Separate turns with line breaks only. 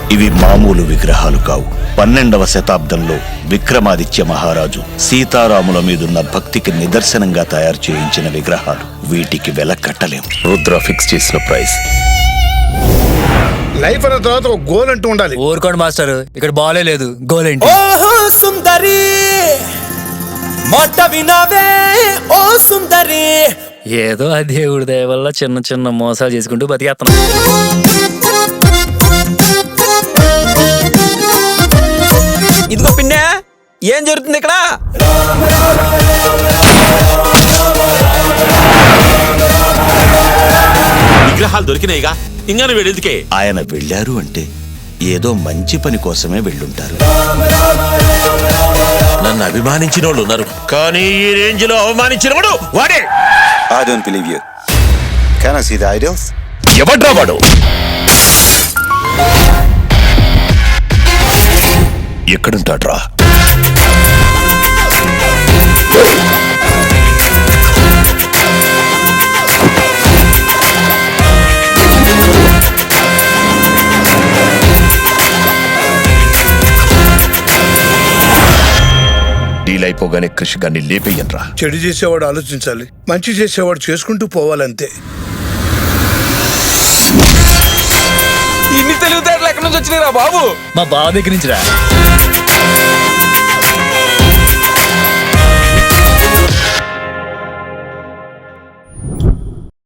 ఇవి మామూలు విగ్రహాలు కావు. 12వ శతాబ్దంలో విక్రమాదిత్య మహారాజు సీతారాముల మీదున్న భక్తికి నిదర్శనంగా తయారు చేయించిన విగ్రహాలు. వీటికి వెల కట్టలేం.
రుద్ర ఫిక్స్ చేసిన ప్రైస్.
లైఫ్ అన్న తర్వాత ఒక గోల్ అంటూ ఉండాలి.
ఊరుకోండి మాస్టర్, ఇక్కడ బాలే లేదు, గోల్ ఏంటి?
ఓహో సుందరి మాట వినావే ఓ సుందరి.
ఏదో ఆ దేవుడి దయ వల్ల చిన్న చిన్న మోసాలు చేసుకుంటూ బతికేస్తున్నాం.
ఇదిగో పిన్నే, ఏం జరుగుతుంది ఇక్కడ?
విగ్రహాలు దొరికినాయిగా, ఇంకా వీడెందుకే?
ఆయన వెళ్ళారు అంటే ఏదో మంచి పని కోసమే వెళ్ళుంటారు.
నన్ను అభిమానించిన వాళ్ళు ఉన్నారు, కానీ ఈ రేంజ్ లో అవమానించిన వాడు వాడే.
I don't believe you. Can I see the idols?
ఎవడ్రా వాడు? ఎక్కడుంటాడ్రా? డీల్ అయిపోగానే కృషి గాన్ని లేపేయన్రా.
చెడు చేసేవాడు ఆలోచించాలి, మంచి చేసేవాడు చేసుకుంటూ పోవాలంతే.
ఇన్ని తెలివితేటలు ఎక్కడి నుంచి వచ్చినాయిరా బాబు?
మా బావ దగ్గర నుంచి రా.